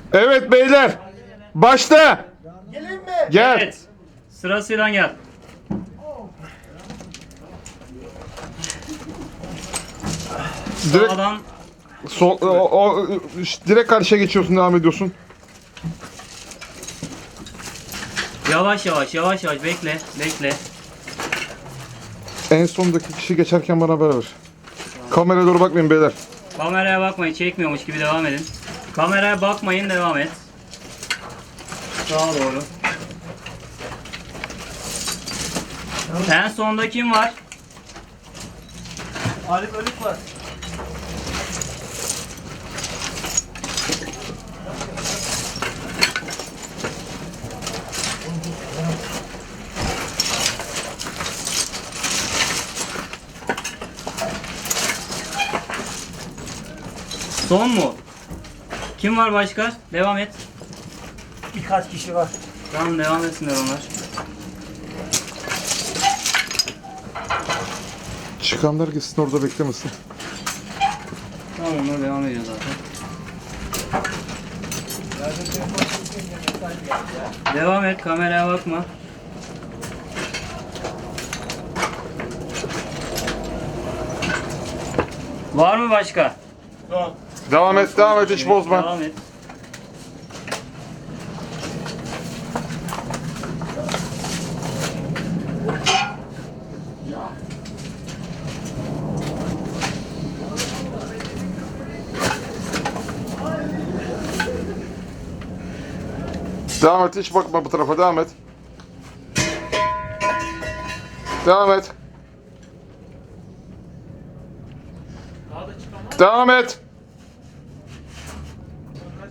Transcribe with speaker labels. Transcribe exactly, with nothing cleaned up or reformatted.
Speaker 1: Evet beyler. Başla.
Speaker 2: Geleyim mi?
Speaker 1: Gel.
Speaker 3: Evet. Sırasıyla gel.
Speaker 1: Direkt,
Speaker 3: Sağdan
Speaker 1: sol, o, o, direkt karşıya geçiyorsun, devam ediyorsun.
Speaker 3: yavaş yavaş yavaş yavaş bekle bekle.
Speaker 1: En sondaki kişi geçerken bana haber ver. Kameraya doğru bakmayın beyler.
Speaker 3: Kameraya bakmayın, çekmiyormuş gibi devam edin. Kameraya bakmayın, devam et. Sağa doğru. En sonda kim var?
Speaker 2: Arif Ölük var.
Speaker 3: Son mu? Kim var başka? Devam et.
Speaker 2: Birkaç kişi var.
Speaker 3: Tamam, devam etsinler onlar.
Speaker 1: Çıkanlar gitsin, orada beklemesin.
Speaker 3: Tamam, onlar devam ediyor zaten. Devam et, kameraya bakma. Var mı başka?
Speaker 2: Son.
Speaker 1: Devam et, devam et, hiç bozma.
Speaker 3: Devam et.
Speaker 1: Devam et, hiç bakma bu tarafa, devam et. Devam et. Devam et.